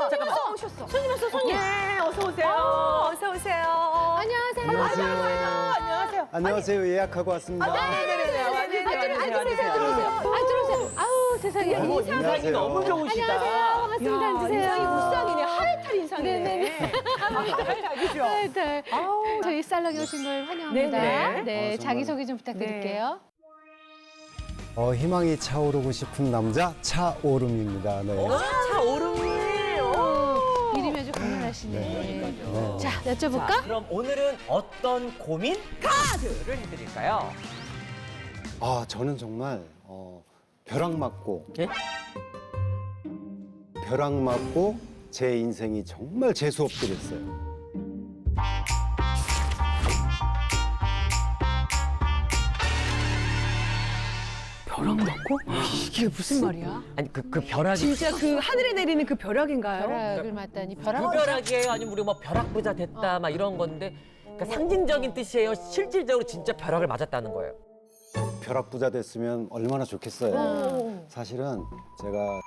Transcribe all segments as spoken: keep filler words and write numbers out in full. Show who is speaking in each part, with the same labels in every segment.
Speaker 1: 어, 잠깐만.
Speaker 2: 오셨어.
Speaker 1: 손님 왔어, 손님. 예, 어서 오세요.
Speaker 2: 어서 오세요.
Speaker 3: 안녕하세요.
Speaker 2: 안녕하세요. 안녕하세요.
Speaker 4: 안녕하세요. 예약하고 왔습니다.
Speaker 1: 네네네. 앉으세요, 앉으세요, 앉으세요.
Speaker 3: 들어오세요. 아, 들어오세요. 아우, 세상에.
Speaker 1: 어머, 인상이
Speaker 4: 안녕하세요.
Speaker 1: 너무 좋으시다.
Speaker 3: 안녕하세요. 반갑습니다.
Speaker 2: 야,
Speaker 3: 앉으세요.
Speaker 2: 인상이 무쌍이네. 하이탈 인상이네.
Speaker 3: 네네네.
Speaker 2: 하이탈, 그죠?
Speaker 3: 네. 저희 살롱에 오신 걸 환영합니다.
Speaker 1: 네네.
Speaker 3: 네,
Speaker 4: 아, 정말.
Speaker 3: 자기소개 좀 부탁드릴게요.
Speaker 4: 어, 희망이 차오르고 싶은 남자 차오름입니다. 네.
Speaker 1: 차 오름이.
Speaker 3: 이름이 아주 강렬하시네.
Speaker 4: 네.
Speaker 3: 자,
Speaker 1: 자,
Speaker 3: 여쭤볼까?
Speaker 1: 그럼 오늘은 어떤 고민 카드를 해드릴까요?
Speaker 4: 아, 저는 정말 어, 벼락 맞고
Speaker 1: 예?
Speaker 4: 벼락 맞고 제 인생이 정말 재수 없게 됐어요.
Speaker 2: 벼락 맞고? 이게 무슨 말이야?
Speaker 1: 아니 그 그 벼락이
Speaker 2: 진짜 그 하늘에 내리는 그 벼락인가요?
Speaker 3: 벼락을 맞다니. 벼락.
Speaker 1: 무벼락이에요? 아니면 우리 뭐 벼락 부자 됐다 막 이런 건데 그러니까 상징적인 뜻이에요. 실질적으로 진짜 벼락을 맞았다는 거예요.
Speaker 4: 벼락 부자 됐으면 얼마나 좋겠어요. 사실은 제가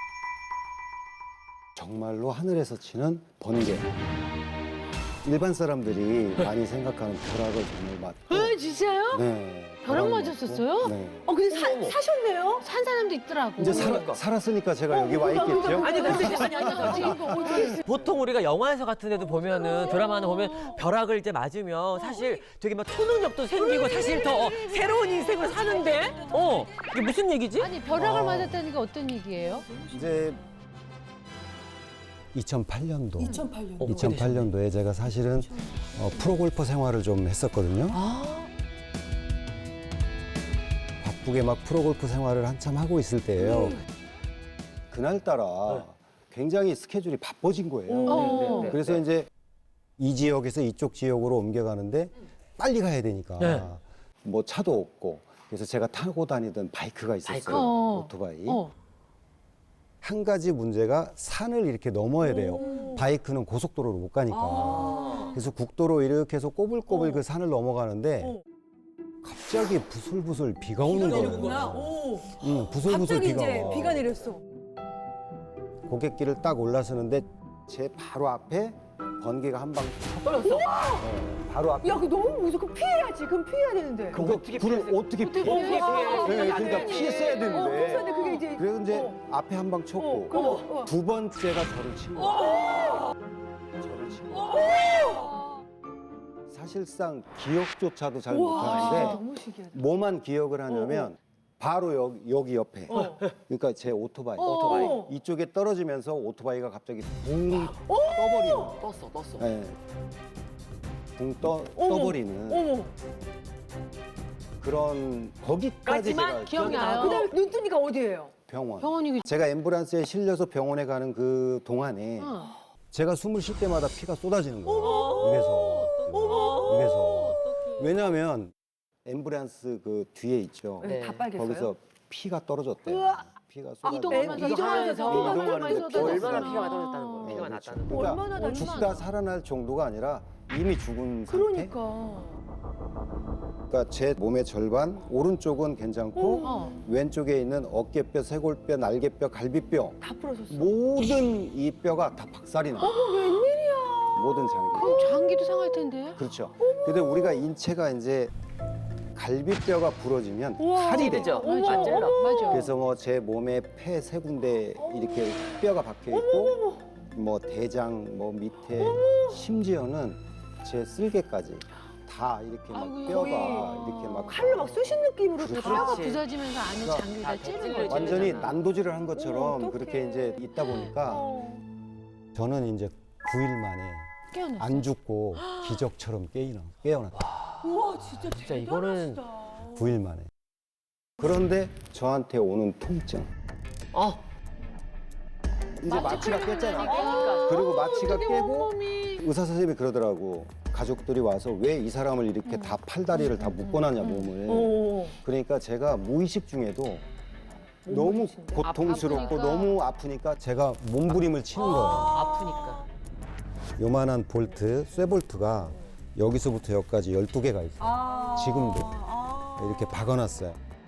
Speaker 4: 정말로 하늘에서 치는 번개. 일반 사람들이 많이 생각하는 벼락을 정말 맞고.
Speaker 3: 어, 진짜요?
Speaker 4: 네.
Speaker 3: 벼락
Speaker 4: 맞고,
Speaker 3: 맞았었어요?
Speaker 4: 네.
Speaker 2: 어, 근데 사,
Speaker 1: 어머.
Speaker 2: 사셨네요?
Speaker 3: 산 사람도 있더라고.
Speaker 4: 이제 살,
Speaker 1: 그러니까.
Speaker 4: 살았으니까 제가 여기 와 있겠죠?
Speaker 1: 아니 근데 이제
Speaker 3: 아니, 아니, 아니, 이거 어떻게
Speaker 1: 보통 우리가 영화에서 같은 데도 보면은 드라마나 보면 벼락을 이제 맞으면 사실 되게 막 초능력도 생기고 사실 더 어, 새로운 인생을 사는데 어 이게 무슨 얘기지?
Speaker 3: 아니, 벼락을
Speaker 4: 어.
Speaker 3: 맞았다는 게 어떤 얘기예요?
Speaker 4: 이제 이천팔 년도
Speaker 2: 이천팔 년.
Speaker 1: 어,
Speaker 4: 이천팔 년도에 제가 사실은 어, 프로골퍼 생활을 좀 했었거든요. 바쁘게 막 프로골프 생활을 한참 하고 있을 때예요. 그날따라 굉장히 스케줄이 바빠진 거예요.
Speaker 3: 어.
Speaker 1: 네.
Speaker 4: 그래서 이제 이 지역에서 이쪽 지역으로 옮겨가는데 빨리 가야 되니까
Speaker 1: 네.
Speaker 4: 뭐 차도 없고 그래서 제가 타고 다니던 바이크가 있었어요.
Speaker 1: 바이크.
Speaker 3: 어.
Speaker 4: 오토바이.
Speaker 3: 어.
Speaker 4: 한 가지 문제가 산을 이렇게 넘어야 돼요. 바이크는 고속도로로 못 가니까. 그래서 국도로 이렇게 해서 꼬불꼬불 그 산을 넘어가는데 갑자기 부슬부슬 비가 오는 거예요.
Speaker 2: 오.
Speaker 4: 응, 부슬부슬
Speaker 2: 갑자기
Speaker 4: 비가
Speaker 2: 이제
Speaker 4: 와.
Speaker 2: 비가 내렸어.
Speaker 4: 고갯길을 딱 올라서는데 제 바로 앞에 번개가 한 방
Speaker 1: 떨어졌어.
Speaker 4: 바로 앞에.
Speaker 2: 야, 그 너무 무서워. 그럼 피해야지. 그럼 피해야 되는데.
Speaker 1: 그럼
Speaker 4: 그거
Speaker 1: 어떻게
Speaker 4: 불을
Speaker 1: 피했어요?
Speaker 4: 어떻게 피해?
Speaker 1: 어떻게 피해?
Speaker 4: 네, 그러니까
Speaker 1: 안 돼.
Speaker 4: 피했어야
Speaker 2: 어,
Speaker 4: 되는데.
Speaker 2: 피했는데 그게 이제.
Speaker 4: 그래서 이제
Speaker 2: 어.
Speaker 4: 앞에 한 방 쳤고
Speaker 2: 어, 그거, 어.
Speaker 4: 두 번째가 저를 친 거예요. 저를 친 거예요. 사실상 기억조차도 잘
Speaker 2: 와,
Speaker 4: 못하는데
Speaker 2: 너무 신기하다.
Speaker 4: 뭐만 기억을 하냐면 바로 여기, 여기 옆에
Speaker 2: 어.
Speaker 4: 그러니까 제 오토바이
Speaker 1: 오토바이.
Speaker 2: 어.
Speaker 4: 이쪽에 떨어지면서 오토바이가 갑자기 붕 떠버리는
Speaker 1: 떴어, 떴어.
Speaker 4: 네. 붕 떠,
Speaker 2: 어머.
Speaker 4: 떠버리는
Speaker 2: 어머.
Speaker 4: 그런 거기까지
Speaker 1: 까지만
Speaker 4: 제가
Speaker 3: 기억이
Speaker 4: 기억이
Speaker 3: 나요.
Speaker 2: 그 다음에 눈뜨니까 어디예요?
Speaker 4: 병원.
Speaker 3: 병원이.
Speaker 4: 제가 앰뷸런스에 실려서 병원에 가는 그 동안에
Speaker 3: 어.
Speaker 4: 제가 숨을 쉴 때마다 피가 쏟아지는 거예요. 입에서. 입에서. 왜냐하면 앰뷸런스 그 뒤에 있죠.
Speaker 1: 네.
Speaker 2: 다 빨겠어요?
Speaker 4: 거기서 피가 떨어졌대요.
Speaker 2: 우와.
Speaker 4: 피가 쏟아져.
Speaker 3: 이동하면서
Speaker 2: 이동하면서
Speaker 3: 피가
Speaker 4: 이동하면서
Speaker 3: 많이 쏟아졌구나.
Speaker 1: 얼마나 피가 많이 떨어졌다는 거예요. 피가
Speaker 4: 어,
Speaker 1: 났다는
Speaker 4: 그렇죠.
Speaker 1: 거.
Speaker 4: 그러니까
Speaker 2: 얼마나 다
Speaker 4: 죽다 살아날 정도가 아니라 이미 죽은 상태.
Speaker 2: 그러니까.
Speaker 4: 그러니까 제 몸의 절반, 오른쪽은 괜찮고
Speaker 3: 어.
Speaker 4: 왼쪽에 있는 어깨뼈, 쇄골뼈, 날개뼈, 갈비뼈
Speaker 2: 다 부러졌어.
Speaker 4: 모든 이 뼈가 다 박살이 나.
Speaker 2: 어머, 웬일이야.
Speaker 4: 모든 장기.
Speaker 3: 그럼 장기도 상할 텐데.
Speaker 4: 그렇죠. 근데 우리가 인체가 이제 갈비뼈가 부러지면
Speaker 2: 우와.
Speaker 4: 칼이 되죠.
Speaker 1: 되죠.
Speaker 2: 어머,
Speaker 1: 안 찔러.
Speaker 2: 어머.
Speaker 3: 맞아.
Speaker 4: 그래서 뭐 제 몸에 폐 세 군데 이렇게 뼈가 박혀 있고 뭐 대장 뭐 밑에 심지어는 제 쓸개까지 다 이렇게 막
Speaker 3: 아이고,
Speaker 4: 뼈가
Speaker 3: 거의.
Speaker 4: 이렇게 막
Speaker 2: 칼로 막 쑤신 느낌으로
Speaker 4: 그렇죠.
Speaker 2: 다.
Speaker 3: 뼈가
Speaker 1: 그렇지.
Speaker 3: 부서지면서 안에
Speaker 4: 그러니까
Speaker 3: 장기가
Speaker 1: 다
Speaker 3: 찌르는
Speaker 1: 찔러
Speaker 3: 거죠.
Speaker 4: 완전히
Speaker 1: 찔리잖아.
Speaker 4: 난도질을 한 것처럼
Speaker 2: 어떡해.
Speaker 4: 그렇게 이제 있다 보니까
Speaker 2: 어.
Speaker 4: 저는 이제 구 일 만에
Speaker 3: 깨어났어.
Speaker 4: 안 죽고 기적처럼 깨어나, 깨어났다.
Speaker 2: 우와, 진짜
Speaker 1: 진짜 이거는
Speaker 4: 구 일 만에. 그런데 저한테 오는 통증.
Speaker 1: 어.
Speaker 4: 이제 마취가 깼잖아.
Speaker 3: 그러니까.
Speaker 4: 그리고 마취가
Speaker 3: 어떡해,
Speaker 4: 깨고
Speaker 3: 온몸이.
Speaker 4: 의사 선생님이 그러더라고. 가족들이 와서 왜 이 사람을 이렇게 다 팔다리를 다 묶어놨냐 몸을.
Speaker 2: 어.
Speaker 4: 그러니까 제가 무의식 중에도 너무 고통스럽고
Speaker 3: 아프니까.
Speaker 4: 너무 아프니까 제가 몸부림을 치는 거예요.
Speaker 1: 아프니까.
Speaker 4: 요만한 볼트, 쇠볼트가 여기서부터 여기까지 열두 개가 있어요.
Speaker 2: 아.
Speaker 4: 지금도.
Speaker 2: 아.
Speaker 4: 이렇게 박아놨어요.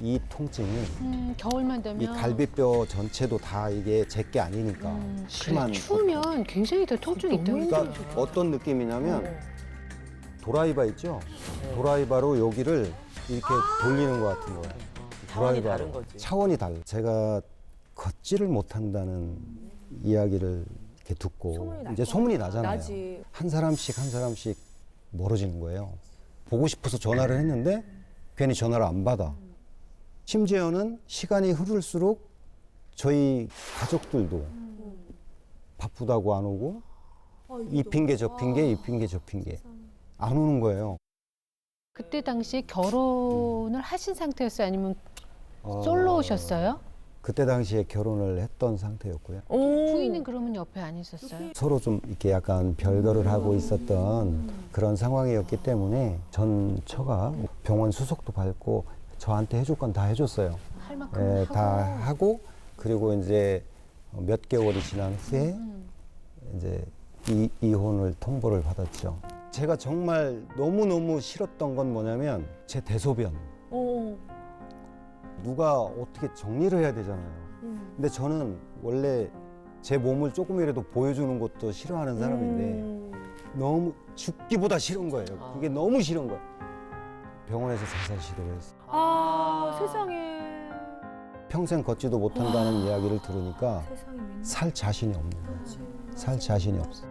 Speaker 4: 이 통증이
Speaker 3: 음, 겨울만 되면
Speaker 4: 이 갈비뼈 전체도 다 이게 제게 아니니까
Speaker 3: 음,
Speaker 4: 심한
Speaker 3: 그래, 추우면 굉장히 더 통증이 있다고
Speaker 4: 그러니까
Speaker 3: 그러죠.
Speaker 4: 어떤 느낌이냐면 도라이바 있죠? 도라이바로 여기를 이렇게 돌리는 것 같은 거예요.
Speaker 1: 차원이
Speaker 4: 도라이바로.
Speaker 1: 다른 거지.
Speaker 4: 차원이 달라. 제가 걷지를 못한다는 이야기를 이렇게 듣고
Speaker 2: 소문이 날
Speaker 4: 이제
Speaker 2: 거
Speaker 4: 소문이 나잖아요.
Speaker 2: 나지.
Speaker 4: 한 사람씩 한 사람씩 멀어지는 거예요. 보고 싶어서 전화를 했는데 괜히 전화를 안 받아. 심지어는 시간이 흐를수록 저희 가족들도 바쁘다고 안 오고 이 핑계 저 핑계 이 핑계 저 핑계 안 오는 거예요.
Speaker 3: 그때 당시에 결혼을 하신 상태였어요? 아니면
Speaker 4: 어,
Speaker 3: 솔로셨어요?
Speaker 4: 그때 당시에 결혼을 했던 상태였고요.
Speaker 2: 오.
Speaker 3: 부인은 그러면 옆에 안 있었어요?
Speaker 4: 서로 좀 이렇게 약간 별거를 하고 있었던 그런 상황이었기 때문에 전 처가 병원 수속도 받고 저한테 해줄 건 다 해줬어요.
Speaker 3: 할 만큼
Speaker 4: 예,
Speaker 3: 하고.
Speaker 4: 다 하고 그리고 이제 몇 개월이 지난 후에
Speaker 3: 음.
Speaker 4: 이제 이, 이혼을 통보를 받았죠. 제가 정말 너무너무 싫었던 건 뭐냐면 제 대소변.
Speaker 2: 오.
Speaker 4: 누가 어떻게 정리를 해야 되잖아요.
Speaker 2: 음.
Speaker 4: 근데 저는 원래 제 몸을 조금이라도 보여주는 것도 싫어하는 사람인데
Speaker 2: 음.
Speaker 4: 너무 죽기보다 싫은 거예요. 그게 너무 싫은 거예요. 병원에서 자살 시도를 했어요.
Speaker 2: 아, 세상에.
Speaker 4: 평생 걷지도 못한다는 이야기를 들으니까
Speaker 2: 세상에 웬일.
Speaker 4: 살 자신이 없는 거예요. 살 자신이 없어.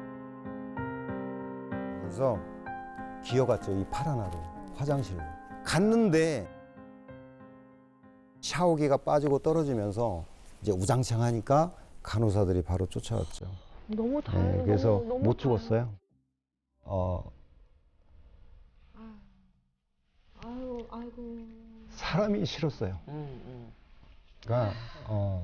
Speaker 4: 그래서 기어갔죠. 이 팔 하나로 화장실로 갔는데 샤워기가 빠지고 떨어지면서 이제 우장창하니까 간호사들이 바로 쫓아왔죠.
Speaker 2: 너무 다행이다.
Speaker 4: 네, 그래서
Speaker 2: 너무, 너무
Speaker 4: 못 죽었어요. 어,
Speaker 2: 아유, 아이고.
Speaker 4: 사람이 싫었어요.
Speaker 1: 음, 음.
Speaker 4: 그러니까 어,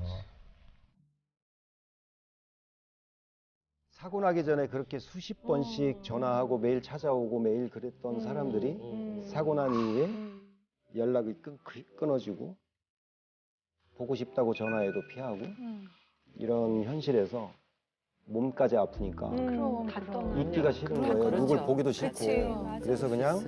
Speaker 4: 사고 나기 전에 그렇게 수십 번씩 전화하고 매일 찾아오고 매일 그랬던 사람들이
Speaker 2: 음.
Speaker 4: 사고 난 이후에
Speaker 2: 음.
Speaker 4: 연락이 끊, 끊어지고 보고 싶다고 전화해도 피하고
Speaker 3: 음.
Speaker 4: 이런 현실에서 몸까지 아프니까
Speaker 2: 음,
Speaker 3: 그럼,
Speaker 2: 다
Speaker 3: 그럼.
Speaker 2: 떠나.
Speaker 4: 있기가 싫은
Speaker 2: 다
Speaker 4: 거예요.
Speaker 2: 그렇죠.
Speaker 4: 누굴 보기도 싫고.
Speaker 2: 그치, 맞아.
Speaker 4: 그래서 그냥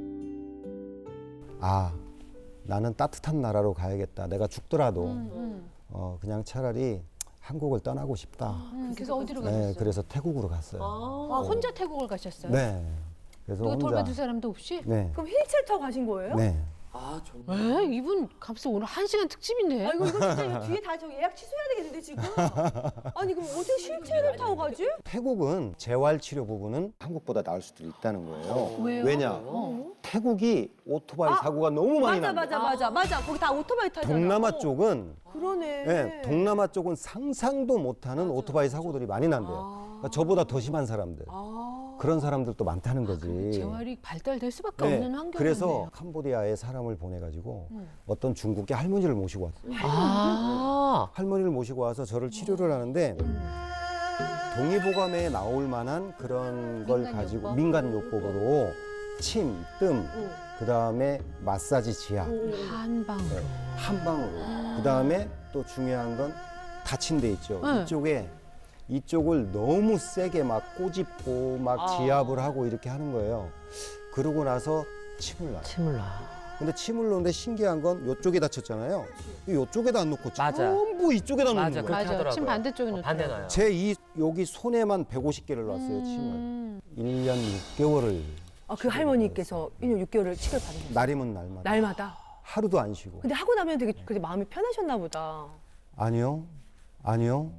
Speaker 4: 아 나는 따뜻한 나라로 가야겠다. 내가 죽더라도
Speaker 3: 음, 음.
Speaker 4: 어, 그냥 차라리 한국을 떠나고 싶다.
Speaker 3: 음, 그래서 어디로
Speaker 4: 네,
Speaker 3: 가셨어요?
Speaker 4: 그래서 태국으로 갔어요.
Speaker 3: 아, 혼자 태국을 가셨어요?
Speaker 4: 네. 그래서
Speaker 3: 누가
Speaker 4: 혼자.
Speaker 3: 돌봐줄 사람도 없이?
Speaker 4: 네.
Speaker 2: 그럼 휠체어 타고 가신 거예요?
Speaker 4: 네.
Speaker 1: 아, 정말.
Speaker 3: 에? 이분 값을 오늘 한 시간 특집인데?
Speaker 2: 아, 이거, 이거 진짜 이거 뒤에 다 저 예약 취소해야 되겠는데, 지금? 아니, 그럼 어떻게 휠체어를 타고 가지?
Speaker 4: 태국은 재활 치료 부분은 한국보다 나을 수도 있다는 거예요.
Speaker 3: 왜요?
Speaker 4: 왜냐?
Speaker 3: 어.
Speaker 4: 태국이 오토바이
Speaker 2: 아,
Speaker 4: 사고가 너무 많이
Speaker 2: 맞아,
Speaker 4: 난다.
Speaker 2: 맞아, 맞아, 맞아. 거기 다 오토바이 타잖아.
Speaker 4: 동남아
Speaker 2: 어,
Speaker 4: 쪽은
Speaker 2: 그러네.
Speaker 4: 네, 동남아 쪽은 상상도 못하는 오토바이 사고들이 많이 난대요. 그러니까 저보다 더 심한 사람들.
Speaker 2: 아.
Speaker 4: 그런 사람들도 많다는 거지.
Speaker 3: 재활이 발달될 수밖에
Speaker 4: 네,
Speaker 3: 없는 환경이네요.
Speaker 4: 그래서 캄보디아에 사람을 보내가지고
Speaker 3: 음.
Speaker 4: 어떤 중국의 할머니를 모시고 왔어요.
Speaker 1: 아,
Speaker 4: 할머니를 모시고 와서 저를 치료를 하는데 동의보감에 나올 만한 그런 걸
Speaker 3: 민간요법?
Speaker 4: 가지고 민간요법으로 침, 뜸, 그 다음에 마사지 지압,
Speaker 3: 한방.
Speaker 4: 네, 한 방으로. 그 다음에 또 중요한 건 다친 데 있죠.
Speaker 3: 네.
Speaker 4: 이쪽에 이쪽을 너무 세게 막 꼬집고 막
Speaker 1: 아.
Speaker 4: 지압을 하고 이렇게 하는 거예요. 그러고 나서 침을 놔요.
Speaker 1: 침을 놔.
Speaker 4: 근데 침을 놓는데 신기한 건 이쪽에 다쳤잖아요. 이쪽에다 안 놓고
Speaker 1: 맞아.
Speaker 4: 전부 이쪽에다 놓는
Speaker 1: 맞아,
Speaker 4: 거예요.
Speaker 1: 그렇게
Speaker 3: 맞아.
Speaker 1: 하더라고요.
Speaker 3: 침 반대쪽에 놓더라고요.
Speaker 1: 반대 놔요.
Speaker 4: 제 이 여기 손에만 백오십 개를 놨어요. 침을.
Speaker 3: 음.
Speaker 4: 일 년 육 개월을
Speaker 2: 아, 그 할머니께서 일 년 육 개월을 치료를 받으셨어요.
Speaker 4: 날이면 날마다
Speaker 2: 날마다.
Speaker 4: 하루도 안 쉬고.
Speaker 2: 근데 하고 나면 되게 그게 마음이 편하셨나 보다.
Speaker 4: 아니요, 아니요.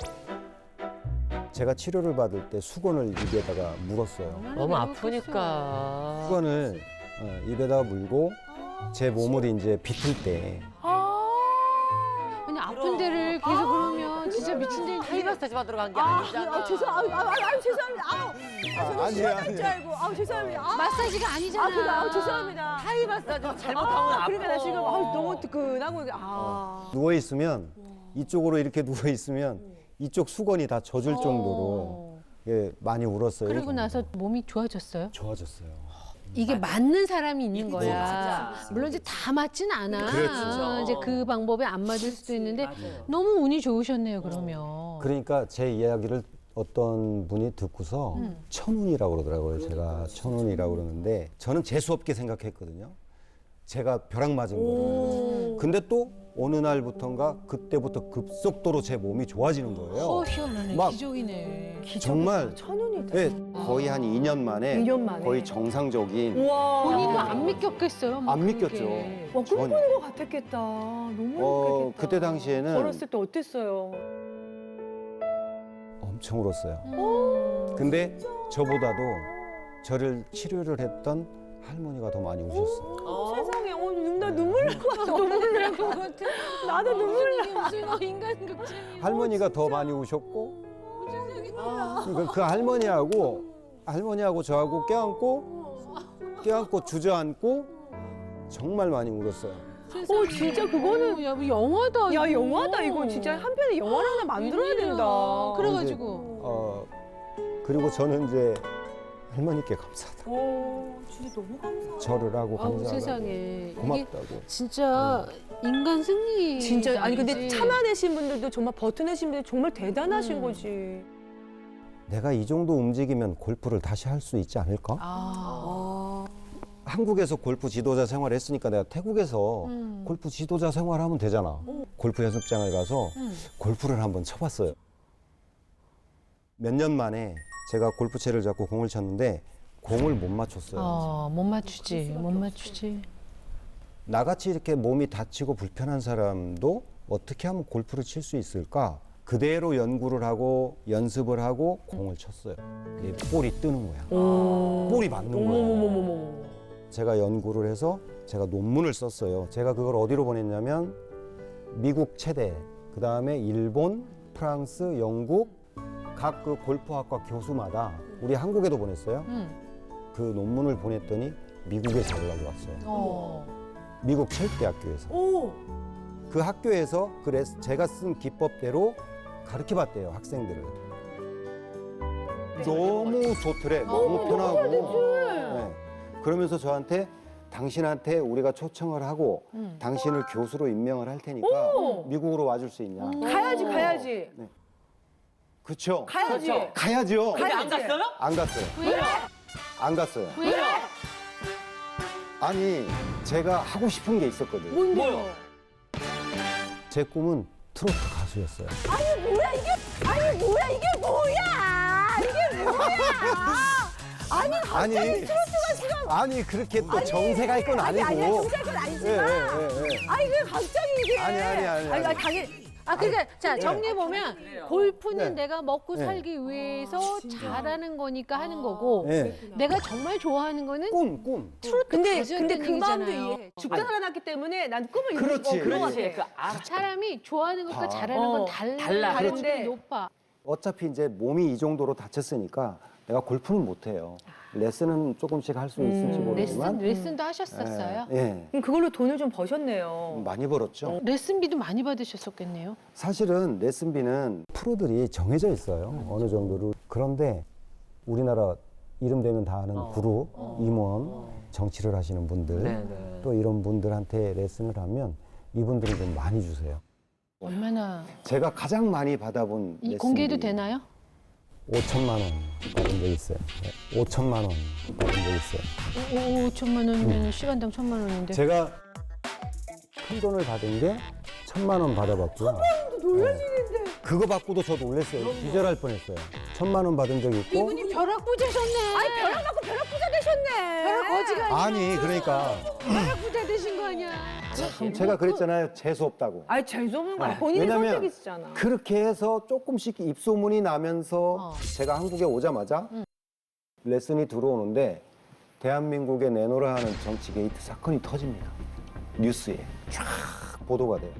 Speaker 4: 제가 치료를 받을 때 수건을 입에다가 물었어요.
Speaker 1: 너무 아프니까.
Speaker 4: 수건을 어, 입에다 물고 제 몸을 이제 비틀 때
Speaker 3: 아니 아픈 데를 계속 그러면 진짜 미친 데
Speaker 1: 하이 마사지 받으러 간 게
Speaker 2: 아,
Speaker 1: 아니잖아.
Speaker 2: 아, 죄송, 아, 아, 아, 아, 죄송합니다. 아우, 아, 저는
Speaker 4: 아니에요,
Speaker 2: 시원할 줄
Speaker 4: 아니에요.
Speaker 2: 알고, 아, 죄송합니다. 아,
Speaker 3: 마사지가 아니잖아.
Speaker 2: 아, 그래, 아, 죄송합니다.
Speaker 1: 하이 마사지 잘못하면
Speaker 2: 아,
Speaker 1: 아파.
Speaker 2: 그러니까 나 지금 아, 너무 뜨끈하고 이게, 아.
Speaker 4: 누워 있으면 이쪽으로 이렇게 누워 있으면 이쪽 수건이 다 젖을 정도로
Speaker 2: 어.
Speaker 4: 예, 많이 울었어요.
Speaker 3: 그리고 나서 몸이 좋아졌어요?
Speaker 4: 좋아졌어요.
Speaker 3: 이게 맞는 사람이 있는 거야.
Speaker 1: 맞아.
Speaker 3: 물론 이제 다 맞진 않아.
Speaker 4: 그렇죠.
Speaker 3: 어, 이제 그 방법에 안 맞을 수도 있는데
Speaker 1: 맞아요.
Speaker 3: 너무 운이 좋으셨네요. 그러면.
Speaker 4: 그러니까 제 이야기를 어떤 분이 듣고서
Speaker 3: 음.
Speaker 4: 천운이라고 그러더라고요. 제가 천운이라고 그러는데 저는 재수 없게 생각했거든요. 제가 벼락 맞은 거예요. 근데 또 어느 날부턴가 그때부터 급속도로 제 몸이 좋아지는 거예요.
Speaker 3: 어, 희한하네.
Speaker 4: 막
Speaker 3: 기적이네.
Speaker 4: 정말
Speaker 2: 천운이다.
Speaker 4: 네, 거의 한 이 년 만에
Speaker 2: 이 년 만에.
Speaker 4: 거의 정상적인
Speaker 2: 우와.
Speaker 3: 본인도 안 믿겼겠어요? 뭐
Speaker 4: 안
Speaker 3: 그게.
Speaker 4: 믿겼죠.
Speaker 2: 와,
Speaker 4: 전-
Speaker 2: 꿈꾸는 것 같았겠다. 너무
Speaker 4: 어,
Speaker 2: 행복했겠다.
Speaker 4: 그때 당시에는
Speaker 2: 어렸을 때 어땠어요?
Speaker 4: 엄청 울었어요.
Speaker 3: 음.
Speaker 4: 근데 저보다도 저를 치료를 했던 할머니가 더 많이 우셨어요.
Speaker 2: 어, 세상에, 어, 나 눈물 날 것 같아. 눈물 날 것 같아. 나도 눈물 나.
Speaker 3: 무슨 어, 인간 극장이야.
Speaker 4: 할머니가 더 많이 우셨고 그, 그 할머니하고 할머니하고 저하고 껴안고 껴안고 주저앉고 정말 많이 울었어요.
Speaker 2: 어, 진짜 그거는.
Speaker 3: 야, 뭐 영화다.
Speaker 2: 야,
Speaker 3: 이거.
Speaker 2: 영화다. 이거 진짜 한 편의 영화를 하나 만들어야
Speaker 3: 웬일이야.
Speaker 2: 된다.
Speaker 3: 그래가지고.
Speaker 4: 어 그리고 저는 이제 할머니께 감사하다.
Speaker 2: 어, 진짜 너무 감사하다.
Speaker 4: 절을 하고
Speaker 3: 아우
Speaker 4: 감사하고
Speaker 3: 세상에. 이게
Speaker 4: 고맙다고.
Speaker 3: 진짜 인간 승리.
Speaker 2: 진짜 아니 근데 참아내신 분들도 정말 버텨내신 분들 정말 대단하신
Speaker 3: 음.
Speaker 2: 거지.
Speaker 4: 내가 이 정도 움직이면 골프를 다시 할 수 있지 않을까?
Speaker 3: 아.
Speaker 4: 한국에서 골프 지도자 생활을 했으니까 내가 태국에서
Speaker 3: 음.
Speaker 4: 골프 지도자 생활하면 되잖아. 골프 연습장을 가서
Speaker 3: 음.
Speaker 4: 골프를 한번 쳐봤어요. 몇 년 만에 제가 골프채를 잡고 공을 쳤는데 공을 못 맞췄어요.
Speaker 3: 어, 못 맞추지. 못 맞추지.
Speaker 4: 나같이 이렇게 몸이 다치고 불편한 사람도 어떻게 하면 골프를 칠 수 있을까? 그대로 연구를 하고 연습을 하고 공을 쳤어요. 이 볼이 뜨는 거야. 볼이 맞는 거야.
Speaker 2: 어머머머머머.
Speaker 4: 제가 연구를 해서 제가 논문을 썼어요. 제가 그걸 어디로 보냈냐면 미국 체대, 그 다음에 일본, 프랑스, 영국 각 그 골프학과 교수마다 우리 한국에도 보냈어요.
Speaker 3: 음.
Speaker 4: 그 논문을 보냈더니 미국에서 연락이 왔어요.
Speaker 3: 어.
Speaker 4: 미국 체육대학교에서.
Speaker 2: 오.
Speaker 4: 그 학교에서 그 레스, 제가 쓴 기법대로 가르쳐 봤대요, 학생들을. 너무 좋더래. 너무 편하고. 네. 그러면서 저한테 당신한테 우리가 초청을 하고
Speaker 3: 음.
Speaker 4: 당신을 교수로 임명을 할 테니까
Speaker 2: 오!
Speaker 4: 미국으로 와줄 수 있냐.
Speaker 2: 가야지 가야지.
Speaker 4: 그쵸?
Speaker 2: 가야지.
Speaker 1: 그렇죠.
Speaker 4: 가야죠.
Speaker 1: 근데 안
Speaker 2: 가야지.
Speaker 1: 갔어요?
Speaker 4: 안 갔어요.
Speaker 3: 왜요?
Speaker 4: 안 갔어요.
Speaker 3: 왜요?
Speaker 4: 아니, 제가 하고 싶은 게 있었거든요.
Speaker 2: 뭔데요?
Speaker 4: 제 꿈은 트로트 가수였어요.
Speaker 2: 뭐야 이게? 아니 뭐야 이게 뭐야? 이게 뭐야? 아니
Speaker 4: 아니,
Speaker 2: 트로트가 지금
Speaker 4: 아니 그렇게 또 정색할 건
Speaker 2: 아니
Speaker 4: 아니고.
Speaker 2: 아니야 정색은
Speaker 4: 예,
Speaker 2: 아니지만.
Speaker 4: 예, 예, 예.
Speaker 2: 아니 그 갑자기 이게.
Speaker 4: 아니, 아니, 아니, 아니.
Speaker 2: 아니 당연히.
Speaker 3: 아, 그러니까 자 정리해 보면 골프는
Speaker 4: 네.
Speaker 3: 내가 먹고
Speaker 4: 네.
Speaker 3: 살기 위해서 잘하는 거니까 하는 거고
Speaker 4: 예.
Speaker 3: 내가 정말 좋아하는 거는
Speaker 4: 꿈, 꿈.
Speaker 3: 트로트
Speaker 2: 근데
Speaker 3: 가수였다는
Speaker 2: 근데 그 마음도
Speaker 3: 얘기잖아요.
Speaker 2: 이해해. 죽다 살아났기 때문에 난 꿈을 이루고
Speaker 4: 그렇지.
Speaker 2: 어, 그런 것
Speaker 1: 그렇지.
Speaker 2: 같아.
Speaker 1: 그 아,
Speaker 3: 사람이 좋아하는 것과
Speaker 4: 아.
Speaker 3: 잘하는
Speaker 2: 어,
Speaker 3: 건 달라.
Speaker 1: 달라.
Speaker 3: 가능성이
Speaker 2: 그렇지.
Speaker 3: 높아.
Speaker 4: 어차피 이제 몸이 이 정도로 다쳤으니까 내가 골프는 못해요. 레슨은 조금씩 할 수 있을지
Speaker 2: 음,
Speaker 3: 레슨
Speaker 4: 모르지만.
Speaker 3: 레슨도 하셨었어요?
Speaker 4: 예, 예.
Speaker 2: 그럼 그걸로 돈을 좀 버셨네요.
Speaker 4: 많이 벌었죠.
Speaker 3: 레슨비도 많이 받으셨었겠네요.
Speaker 4: 사실은 레슨비는 프로들이 정해져 있어요. 어느 정도로. 그런데 우리나라 이름 되면 다 아는
Speaker 1: 어.
Speaker 4: 그룹, 임원, 정치를 하시는 분들,
Speaker 1: 네, 네.
Speaker 4: 또 이런 분들한테 레슨을 하면 이분들이 좀 많이 주세요.
Speaker 3: 얼마나
Speaker 4: 제가 가장 많이 받아본
Speaker 3: 이
Speaker 4: 레슨비
Speaker 3: 공개해도 되나요?
Speaker 4: 오천만 원 받은 적 있어요. 네, 오천만 원 받은 적 있어요.
Speaker 3: 오, 오천만 원이면 시간당 천만 원인데.
Speaker 4: 제가 큰 돈을 받은 게 천만 원 받아봤고요. 놀라시는데. 그거 받고도 저 놀랐어요. 기절할 뻔했어요. 천만 원 받은 적 있고.
Speaker 3: 이분이 벼락 부자셨네.
Speaker 2: 아니 벼락 맞고 벼락 부자 되셨네.
Speaker 3: 벼락 거지가 아니야.
Speaker 4: 아니 그러니까
Speaker 3: 벼락 부자 되신 거 아니야.
Speaker 4: 참 제가 그랬잖아요. 재수 없다고.
Speaker 2: 아니 재수없는 거 아니야.
Speaker 4: 네.
Speaker 2: 본인의
Speaker 4: 왜냐면
Speaker 2: 선택이시잖아.
Speaker 4: 그렇게 해서 조금씩 입소문이 나면서
Speaker 3: 어.
Speaker 4: 제가 한국에 오자마자 레슨이 들어오는데 대한민국에 내노라 하는 정치 게이트 사건이 터집니다. 뉴스에 쫙 보도가 돼요.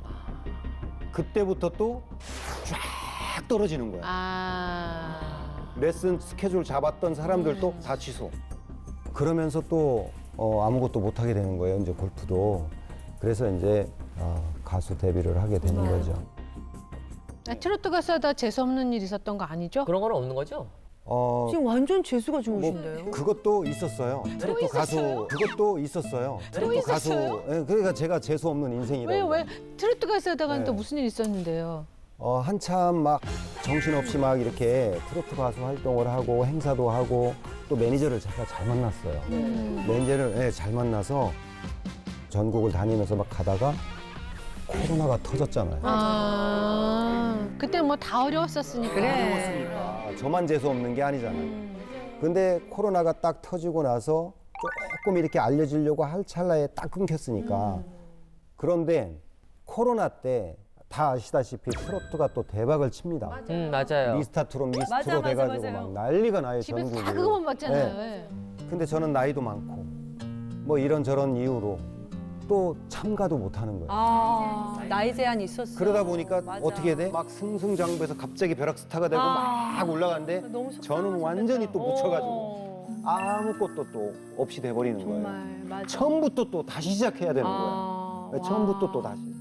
Speaker 4: 그때부터 또 쫙 떨어지는 거야.
Speaker 3: 아.
Speaker 4: 레슨 스케줄 잡았던 사람들도 다 취소. 그러면서 또 어, 아무것도 못하게 되는 거예요. 이제 골프도. 그래서 이제 어, 가수 데뷔를 하게 되는 거죠.
Speaker 3: 아, 트로트 가수하다 재수 없는 일 있었던 거 아니죠?
Speaker 1: 그런 건 없는 거죠?
Speaker 4: 어,
Speaker 2: 지금 완전 재수가
Speaker 4: 뭐
Speaker 2: 좋으신데요.
Speaker 4: 그것도 있었어요. 트로트 가수 그것도 있었어요. 트로트 가수.
Speaker 3: 있었어요?
Speaker 4: 예, 그러니까 제가 재수 없는 인생이라고.
Speaker 3: 왜요? 왜 트로트 가수하다가는
Speaker 4: 네.
Speaker 3: 또 무슨 일 있었는데요?
Speaker 4: 어, 한참 막 정신없이 막 이렇게 트로트 가수 활동을 하고 행사도 하고 또 매니저를 제가 잘 만났어요.
Speaker 3: 음.
Speaker 4: 매니저를 예, 잘 만나서 전국을 다니면서 막 가다가 코로나가 터졌잖아요.
Speaker 3: 아, 그때 뭐 다 어려웠었으니까.
Speaker 2: 그래.
Speaker 4: 아, 저만 재수 없는 게 아니잖아요. 근데 코로나가 딱 터지고 나서 조금 이렇게 알려지려고 할 찰나에 딱 끊겼으니까. 그런데 코로나 때 다 아시다시피 트로트가 또 대박을 칩니다.
Speaker 1: 음, 맞아요.
Speaker 4: 미스터 트롯, 미스트로
Speaker 2: 맞아, 맞아,
Speaker 4: 돼가지고
Speaker 2: 맞아요.
Speaker 4: 막 난리가 나요,
Speaker 3: 집에서
Speaker 4: 전국이.
Speaker 3: 다 그거만 봤잖아요.
Speaker 4: 네.
Speaker 3: 예.
Speaker 4: 근데 저는 나이도 많고 뭐 이런저런 이유로 또 참가도 못하는 거예요.
Speaker 2: 아, 나이 제한이 있었어.
Speaker 4: 그러다 보니까
Speaker 2: 맞아.
Speaker 4: 어떻게 돼? 막 승승장구해서 갑자기 벼락스타가 되고
Speaker 2: 아.
Speaker 4: 막 올라가는데
Speaker 2: 너무 속상하셨겠다.
Speaker 4: 저는 완전히 또 묻혀가지고
Speaker 2: 어,
Speaker 4: 아무것도 또 없이 돼버리는 거예요.
Speaker 2: 정말 맞아.
Speaker 4: 처음부터 또 다시 시작해야 되는
Speaker 2: 아,
Speaker 4: 거예요.
Speaker 2: 와.
Speaker 4: 처음부터 또 다시.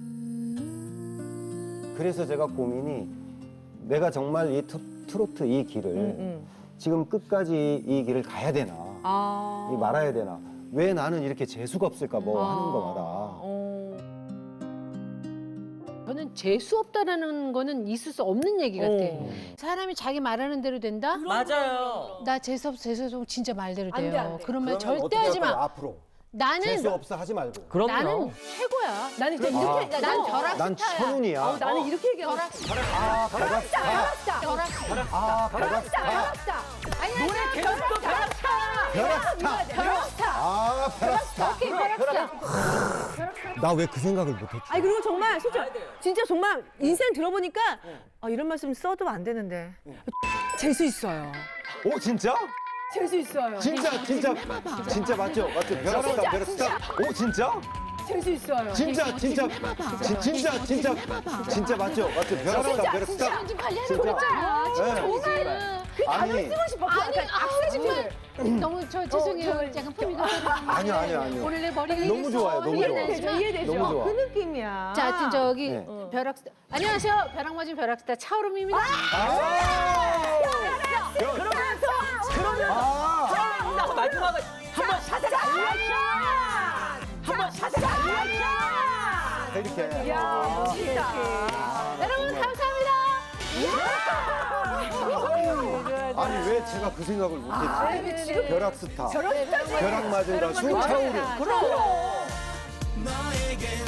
Speaker 4: 그래서 제가 고민이 내가 정말 이 트- 트로트 이 길을
Speaker 2: 음, 음.
Speaker 4: 지금 끝까지 이 길을 가야 되나
Speaker 2: 아.
Speaker 4: 이 말아야 되나 왜 나는 이렇게 재수가 없을까 뭐
Speaker 2: 아.
Speaker 4: 하는 거마다
Speaker 2: 어.
Speaker 3: 저는 재수 없다라는 거는 있을 수 없는 얘기 같아.
Speaker 2: 어.
Speaker 3: 사람이 자기 말하는 대로 된다?
Speaker 1: 맞아요.
Speaker 3: 나 재수 없어, 재수 없어 진짜 말대로
Speaker 2: 안
Speaker 3: 돼요.
Speaker 2: 돼, 안 돼.
Speaker 3: 그러면
Speaker 4: 그러면
Speaker 3: 절대
Speaker 4: 어떻게
Speaker 3: 하지
Speaker 4: 할 거야,
Speaker 3: 마.
Speaker 4: 앞으로
Speaker 3: 나는
Speaker 4: 재수 없어 하지 말고
Speaker 1: 그럼요.
Speaker 3: 나는 최고야.
Speaker 2: 나는 이제
Speaker 4: 아.
Speaker 2: 이렇게 나-
Speaker 3: 난
Speaker 2: 난
Speaker 3: 벼락
Speaker 4: 난
Speaker 3: 스타야.
Speaker 4: 천운이야
Speaker 2: 어, 나는 이렇게 얘기하고
Speaker 3: 벼락
Speaker 2: 싶어.
Speaker 4: 아 벼락스타
Speaker 2: 벼락스타.
Speaker 3: 벼락
Speaker 4: 아 벼락스타
Speaker 2: 벼락스타.
Speaker 3: 아니 아니
Speaker 2: 계속 또 벼락스타.
Speaker 4: 벼락스타
Speaker 2: 벼락스타.
Speaker 4: 아 벼락스타
Speaker 3: 오케이 벼락스타.
Speaker 4: 나 왜 그 생각을 못했지
Speaker 2: 아니 그리고 정말 솔직히 진짜 정말 인생 들어보니까 아, 이런 말씀 써도 안 되는데 재수 있어요.
Speaker 4: 오 진짜?
Speaker 2: 재수 있어요.
Speaker 4: 진짜 진짜 진짜 맞죠? 맞죠? 벼락스타 벼락스타 오 진짜?
Speaker 2: 재수 있어요.
Speaker 4: 진짜 진짜 진- 진짜 진짜 진짜 맞죠? 맞죠? 벼락스타 벼락스타
Speaker 3: 좀 관리하는
Speaker 4: 진짜.
Speaker 3: 거잖아.
Speaker 4: 네.
Speaker 3: 정말.
Speaker 4: 아니
Speaker 2: 쓰고 싶어.
Speaker 3: 아니
Speaker 2: 약간
Speaker 3: 아 정말 너무 저 죄송해요.
Speaker 2: 저-
Speaker 3: 약간 품위가
Speaker 4: 아니요 아니요 아니요
Speaker 3: 원래 머리가
Speaker 4: 너무
Speaker 3: 이래서
Speaker 4: 좋아요, 너무 좋아.
Speaker 2: 이해되죠? 이해되죠?
Speaker 4: 너무 좋아.
Speaker 2: 그 느낌이야.
Speaker 3: 자, 하여튼 저기
Speaker 4: 네.
Speaker 3: 벼락스타. 안녕하세요. 벼락 맞은 벼락스타 차오름입니다.
Speaker 4: 아
Speaker 1: 그러면
Speaker 4: 아
Speaker 1: 자, 마지막에 한번 샷을 한번 샷을
Speaker 4: 이렇게
Speaker 2: 야, 멋있다.
Speaker 3: 여러분 감사합니다.
Speaker 4: 아니 왜 제가 그 생각을 못했지?
Speaker 2: 지금
Speaker 4: 벼락스타
Speaker 2: 벼락스타.
Speaker 4: 벼락 맞은 가수 차오름
Speaker 2: 그럼.
Speaker 5: 너에겐